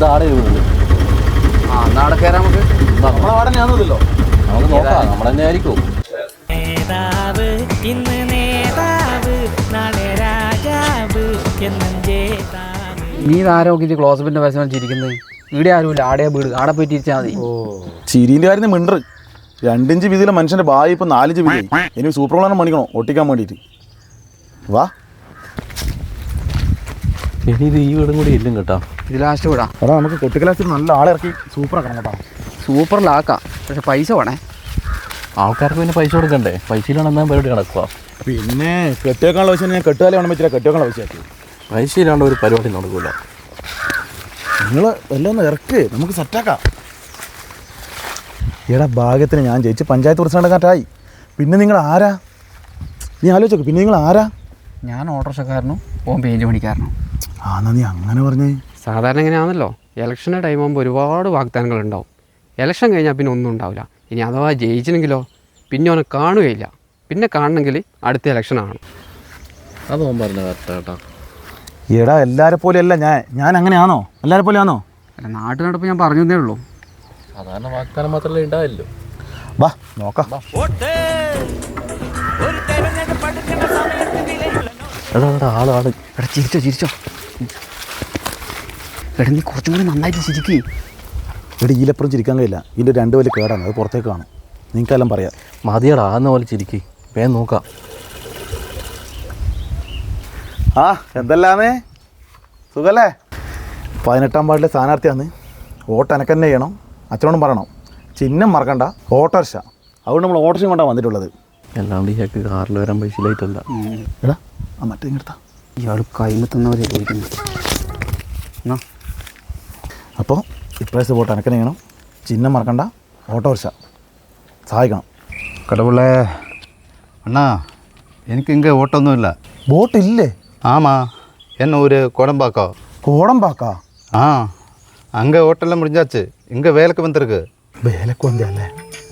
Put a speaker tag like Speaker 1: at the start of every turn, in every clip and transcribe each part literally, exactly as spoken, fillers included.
Speaker 1: ആടെ വീടുണ്ട്.
Speaker 2: ആ എന്നാ അവിടെ കയറാം നമുക്ക്.
Speaker 1: നമ്മളെ വാടന ആണെന്നല്ലോ, നമുക്ക് നോക്കാം. നമ്മൾ തന്നെ ആയിരിക്കും.
Speaker 3: നേതാവ് ഇന്ന് നേതാവ്, നാളെ രാജാവ് എന്നും ജേതാവ്.
Speaker 2: നീ ഇതാരോഗ്യ ക്ലോസപ്പിന്റെ പരസ്യം ചിരിക്കുന്നത്? ഇവിടെ ആരുമില്ല, ആടെ വീട്, ആടെ പോയി തിരിച്ചാൽ മതി.
Speaker 1: ഓ ചിരിന്റെ കാര്യം മിണ്ടർ. രണ്ടിഞ്ച് വീതിയിലെ മനുഷ്യന്റെ ബായി ഇപ്പൊ നാലിഞ്ച് വീതി. ഇനി സൂപ്പർ പ്ലാനം പണിക്കണോ ഒട്ടിക്കാൻ വേണ്ടിയിട്ട്? വാ. ഇനി ഇത് ഈ വീടും കൂടി ഇല്ലും കേട്ടോ.
Speaker 2: ഇത് ലാസ്റ്റ് വിടാം.
Speaker 1: അതാ നമുക്ക് കൊട്ടിക്കലാസിൽ നല്ല ആളെ ഇറക്കി സൂപ്പറാക്കണം കേട്ടോ.
Speaker 2: സൂപ്പറിലാക്കാം, പക്ഷെ പൈസ വേണേ.
Speaker 1: ആൾക്കാർക്ക് പിന്നെ പൈസ കൊടുക്കണ്ടേ? പൈസയിലാണ് എന്നാ പരിപാടി നടക്കുക. പിന്നെ കെട്ടിയേക്കാനുള്ള പൈസ ഞാൻ കെട്ടുകാലം വേണം വെച്ചില്ല, കെട്ടിയേക്കാനുള്ള പൈസ ആക്കി. പൈസ ഇല്ലാണ്ട് ഒരു പരിപാടി നടക്കൂല. നിങ്ങൾ എല്ലാം ഒന്ന് ഇറക്ക്, നമുക്ക് സെറ്റാക്കാം. ഈടാ ഭാഗ്യത്തിന് ഞാൻ ജയിച്ച് പഞ്ചായത്ത് പ്രസിഡന്റുകാരായി. പിന്നെ നിങ്ങൾ ആരാ? നീ ആലോചിച്ചോക്ക്, പിന്നെ നിങ്ങൾ ആരാ?
Speaker 2: ഞാൻ ഓട്ടോറിക്ഷക്കാരനും ഓൻ പെയിൻറ്റ് പണിക്കാരനും.
Speaker 1: ആ എന്നാ നീ അങ്ങനെ പറഞ്ഞേ.
Speaker 4: സാധാരണ എങ്ങനെയാണല്ലോ, ഇലക്ഷൻ്റെ ടൈം ആകുമ്പോൾ ഒരുപാട് വാഗ്ദാനങ്ങൾ ഉണ്ടാവും. ഇലക്ഷൻ കഴിഞ്ഞാൽ പിന്നെ ഒന്നും ഉണ്ടാവില്ല. ഇനി അഥവാ ജയിച്ചില്ലെങ്കിലോ പിന്നെ അവനെ കാണുകയില്ല. പിന്നെ കാണണമെങ്കിൽ അടുത്ത ഇലക്ഷനാണ്.
Speaker 1: അത് ഓൻ പറഞ്ഞ കറക്റ്റ് കേട്ടോ. ഈടാ എല്ലാവരെ പോലെയല്ല ഞാൻ. ഞാൻ അങ്ങനെയാണോ? എല്ലാവരെ പോലെയാണോ?
Speaker 2: അല്ല, നാട്ടു നടപ്പ് ഞാൻ പറഞ്ഞതേ ഉള്ളൂ.
Speaker 1: സാധാരണ വാഗ്ദാനം മാത്രമല്ലേ ഉണ്ടാവില്ലോ. വാ നോക്കാം. എടാ എടാ ആള് ആള്
Speaker 2: എടാ ചിരിച്ചോ ചിരിച്ചോ. എടാ നീ കുറച്ചും കൂടി നന്നായിട്ട് ചിരിക്കേ.
Speaker 1: ഇവിടെ ഈലപ്പുറം ചിരിക്കാൻ കഴിയില്ല. ഇതിൻ്റെ രണ്ട് വലിയ കേടാണ്, അത് പുറത്തേക്ക് കാണും. നിങ്ങൾക്കെല്ലാം പറയാം. മതിയടാ ആന്ന പോലെ ചിരിക്കേ. വേഗം നോക്കാം. ആ എന്തെല്ലാമേ സുഖല്ലേ? പതിനെട്ടാം വാർഡിലെ സ്ഥാനാർത്ഥിയാണ്. വോട്ട് എനക്ക് തന്നെ ചെയ്യണം. അച്ഛനോടും പറയണം. ചിഹ്നം മറക്കണ്ട, ഓട്ടോറിക്ഷ. അതുകൊണ്ട് നമ്മൾ ഓട്ടോറിക്ഷ കൊണ്ടാണ് വന്നിട്ടുള്ളത്. അല്ലാണ്ട് ഈ ചക്ക് കാറിൽ വരാൻ പൈസ ഇല്ലായിട്ടല്ല. എടാ ആ മറ്റേ ഇങ്ങെടുത്താ.
Speaker 2: ഇയാൾ കൈമത്തുന്നവരെ ചോദിക്കുന്നു. എന്നാ
Speaker 1: അപ്പോൾ ഇപ്രാവശ്യം വോട്ട് എനക്ക് തന്നെ ചെയ്യണം. ചിഹ്നം മറക്കണ്ട, ഓട്ടോറിക്ഷ. സഹായിക്കണം.
Speaker 5: கடவுளே அண்ணா, எனக்கு இங்கே ஓட்டொன்றும் இல்லை.
Speaker 1: വോട്ടില്ലേ?
Speaker 5: ஆமாம், என்ன ஒரு கோடம்பாக்கம்.
Speaker 1: കോടമ്പാക്കാ?
Speaker 5: ஆ, அங்கே ஓட்டெல்லாம் முடிஞ்சாச்சு. இங்கே வேலைக்கு வந்திருக்கு.
Speaker 1: വേലക്ക് വന്നല്ലേ?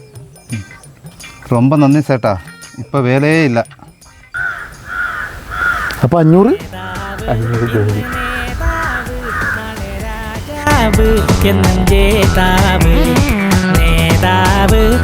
Speaker 5: ரொம்ப நன்றி சேட்டா, இப்போ வேலையே இல்லை.
Speaker 1: അപ്പോൾ അഞ്ഞൂറ്
Speaker 3: നേതാവ് നാളെ രാജാവ് എന്നും ജേതാവ് നേതാവ്.